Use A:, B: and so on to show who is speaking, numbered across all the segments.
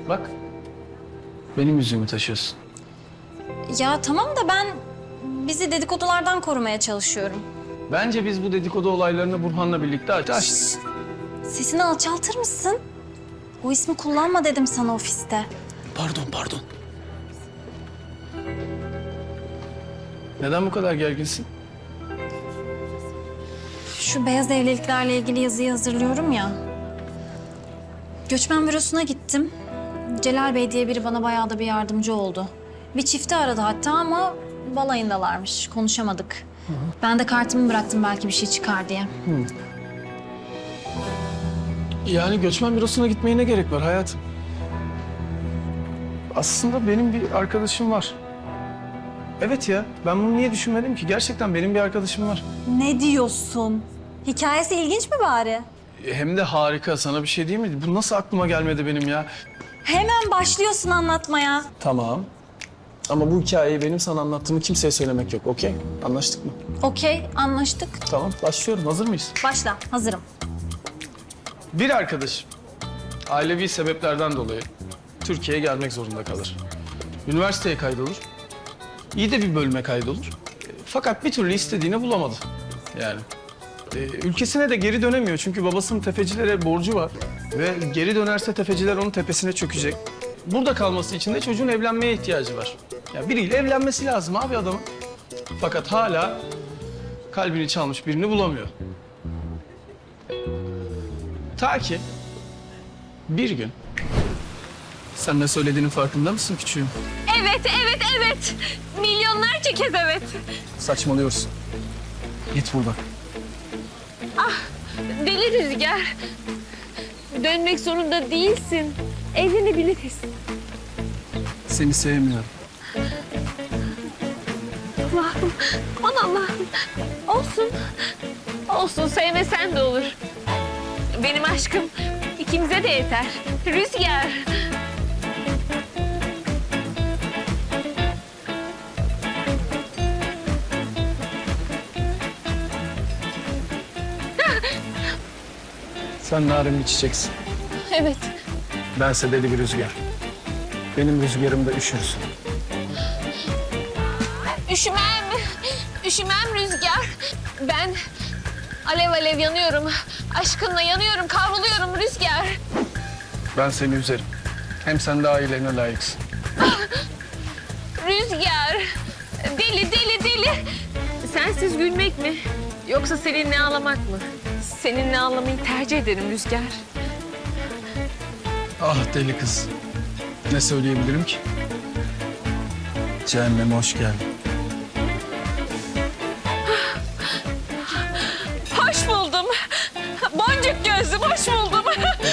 A: Bak. Benim yüzüğümü taşıyorsun.
B: Ya tamam da ben bizi dedikodulardan korumaya çalışıyorum.
A: Bence biz bu dedikodu olaylarını Burhan'la birlikte açtık.
B: Sesini alçaltır mısın? O ismi kullanma dedim sana ofiste.
A: Pardon. Neden bu kadar gerginsin?
B: Şu beyaz evliliklerle ilgili yazıyı hazırlıyorum ya. Göçmen bürosuna gittim. Celal Bey diye biri bana bayağı da bir yardımcı oldu. Bir çifti aradı hatta ama balayındalarmış. Konuşamadık. Ben de kartımı bıraktım belki bir şey çıkar diye.
A: Yani göçmen bürosuna gitmeye ne gerek var hayatım? Aslında benim bir arkadaşım var. Evet ya, ben bunu niye düşünmedim ki? Gerçekten benim bir arkadaşım var.
B: Ne diyorsun? Hikayesi ilginç mi bari?
A: Hem de harika, sana bir şey değil mi? Bu nasıl aklıma gelmedi benim ya?
B: Hemen başlıyorsun anlatmaya.
A: Tamam. Ama bu hikayeyi benim sana anlattığımı kimseye söylemek yok, okey? Anlaştık mı?
B: Okey, anlaştık.
A: Tamam, başlıyorum. Hazır mıyız?
B: Başla, hazırım.
A: Bir arkadaşım ailevi sebeplerden dolayı Türkiye'ye gelmek zorunda kalır. Üniversiteye kaydolur. İyi de bir bölüme kaydolur. Fakat bir türlü istediğini bulamadı. Yani ülkesine de geri dönemiyor çünkü babasının tefecilere borcu var. Ve geri dönerse tefeciler onun tepesine çökecek. Burada kalması için de çocuğun evlenmeye ihtiyacı var. Ya biriyle evlenmesi lazım abi adamın. Fakat hala kalbini çalmış birini bulamıyor. Ta ki bir gün... Sen ne söylediğinin farkında mısın küçüğüm?
C: Evet. Milyonlarca kez evet.
A: Saçmalıyorsun. Git buradan.
C: Deli Rüzgar. Dönmek zorunda değilsin. Evlenebiliriz.
A: Seni sevmiyorum.
C: Allah'ım, aman Allah'ım. Olsun. Olsun, sevmesen de olur. Benim aşkım ikimize de yeter. Rüzgar.
A: Sen narin bir çiçeksin.
C: Evet.
A: Bense deli bir rüzgar. Benim rüzgarımda üşürsün.
C: Üşümem Rüzgar. Ben alev alev yanıyorum. Aşkınla yanıyorum, kavruluyorum Rüzgar.
A: Ben seni üzerim. Hem sen de ailelerine layıksın.
C: Rüzgar. Deli. Sensiz gülmek mi? Yoksa seninle ağlamak mı? Seninle ağlamayı tercih ederim Rüzgar.
A: Ah deli kız. Ne söyleyebilirim ki? Cehenneme hoş geldin.
C: Hoş buldum. Boncuk gözlüm, hoş buldum.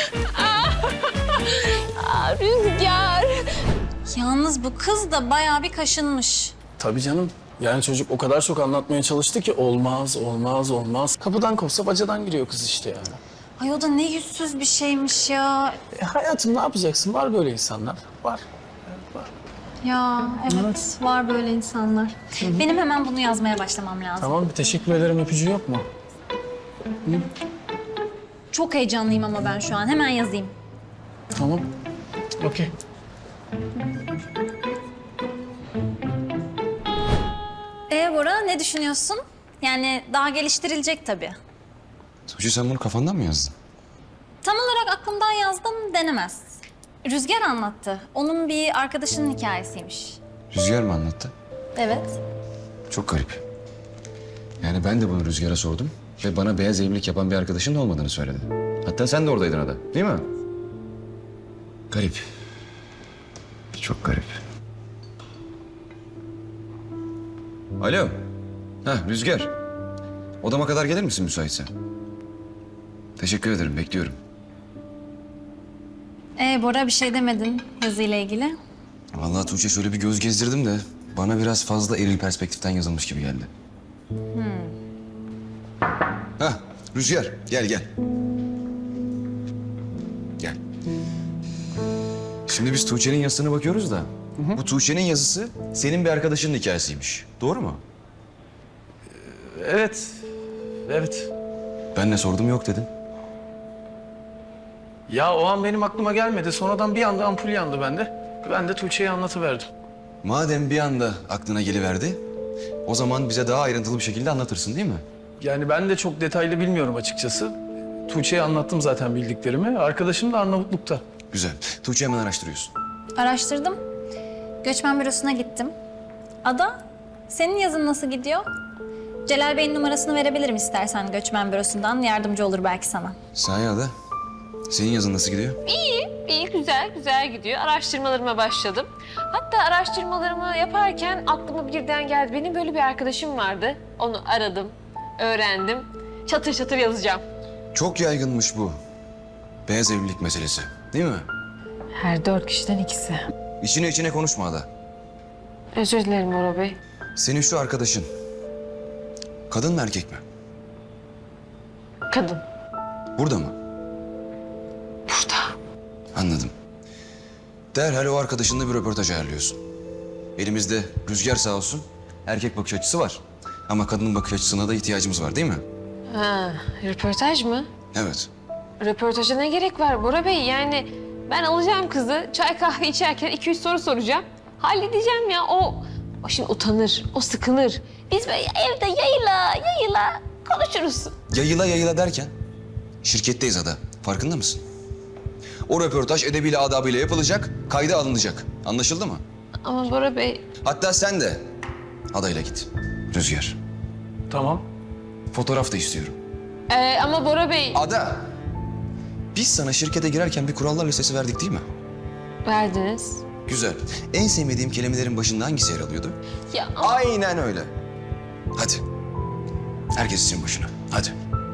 C: Rüzgar.
B: Yalnız bu kız da bayağı bir kaşınmış.
A: Tabii canım. Yani çocuk o kadar çok anlatmaya çalıştı ki olmaz. Kapıdan kopsa bacadan giriyor kız işte yani.
B: Ay o da ne yüzsüz bir şeymiş ya.
A: Hayatım ne yapacaksın? Var böyle insanlar. Var.
B: Ya evet, var böyle insanlar. Benim hemen bunu yazmaya başlamam lazım.
A: Tamam bir teşekkür ederim öpücüğü yok mu?
B: Çok heyecanlıyım ama ben şu an. Hemen yazayım.
A: Tamam. Okey.
B: Bora ne düşünüyorsun? Yani daha geliştirilecek tabii.
D: Tuğçe sen bunu kafandan mı yazdın?
B: Tam olarak aklımdan yazdım denemez. Rüzgar anlattı. Onun bir arkadaşının hikayesiymiş.
D: Rüzgar mı anlattı?
B: Evet.
D: Çok garip. Yani ben de bunu Rüzgar'a sordum ve bana beyaz evlilik yapan bir arkadaşın da olmadığını söyledi. Hatta sen de oradaydın ada, değil mi? Garip. Çok garip. Alo. Rüzgar. Odama kadar gelir misin müsaitse? Teşekkür ederim, bekliyorum.
B: Bora bir şey demedin yazıyla ilgili.
D: Vallahi Tuğçe şöyle bir göz gezdirdim de bana biraz fazla eril perspektiften yazılmış gibi geldi. Rüzgar gel. Gel. Şimdi biz Tuğçe'nin yazısına bakıyoruz da bu Tuğçe'nin yazısı senin bir arkadaşının hikayesiymiş. Doğru mu?
A: Evet.
D: Ben ne sordum yok dedin.
A: Ya o an benim aklıma gelmedi. Sonradan bir anda ampul yandı bende. Ben de Tuğçe'ye anlatıverdim.
D: Madem bir anda aklına geliverdi, o zaman bize daha ayrıntılı bir şekilde anlatırsın değil mi?
A: Yani ben de çok detaylı bilmiyorum açıkçası. Tuğçe'ye anlattım zaten bildiklerimi. Arkadaşım da Arnavutluk'ta.
D: Güzel. Tuğçe hemen araştırıyorsun.
B: Araştırdım. Göçmen bürosuna gittim. Ada, senin yazın nasıl gidiyor? Celal Bey'in numarasını verebilirim istersen göçmen bürosundan. Yardımcı olur belki sana.
D: Sahi Ada, senin yazın nasıl gidiyor?
C: İyi, güzel gidiyor. Araştırmalarıma başladım. Hatta araştırmalarımı yaparken aklıma birden geldi. Benim böyle bir arkadaşım vardı. Onu aradım, öğrendim. Çatır çatır yazacağım.
D: Çok yaygınmış bu. Beyaz evlilik meselesi, değil mi?
C: Her 4 kişiden ikisi.
D: İçine konuşma Ada.
C: Özür dilerim Bora Bey.
D: Senin şu arkadaşın, kadın mı erkek mi?
C: Kadın.
D: Burada mı?
C: Burada.
D: Anladım. Derhal o arkadaşınla bir röportaj ayarlıyorsun. Elimizde Rüzgar sağ olsun, erkek bakış açısı var. Ama kadının bakış açısına da ihtiyacımız var değil mi?
C: Ha, röportaj mı?
D: Evet.
C: Röportaja ne gerek var Bora Bey? Yani ben alacağım kızı, çay kahve içerken 2-3 soru soracağım. Halledeceğim ya. O şimdi utanır, o sıkılır. Biz böyle evde yayıla konuşuruz.
D: Yayıla derken şirketteyiz Ada. Farkında mısın? O röportaj edebiyle adabıyla yapılacak, kayda alınacak. Anlaşıldı mı?
C: Ama Bora Bey,
D: Hatta sen de adayla git. Rüzgar.
A: Tamam.
D: Fotoğraf da istiyorum.
C: ama Bora Bey
D: Ada! Biz sana şirkete girerken bir kurallar listesi verdik değil mi?
C: verdiniz.
D: Güzel. En sevmediğim kelimelerin başında hangisi yer alıyordu?
C: Ya ama
D: Aynen öyle. Hadi. Herkes için başına. Hadi.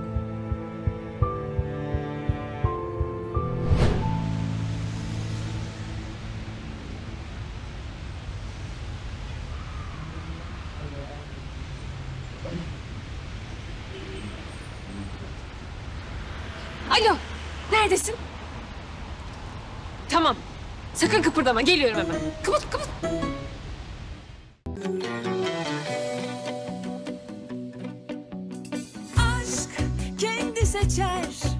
C: alo, neredesin? Tamam, sakın kıpırdama, geliyorum hemen. Kapat.
E: Aşk kendi seçer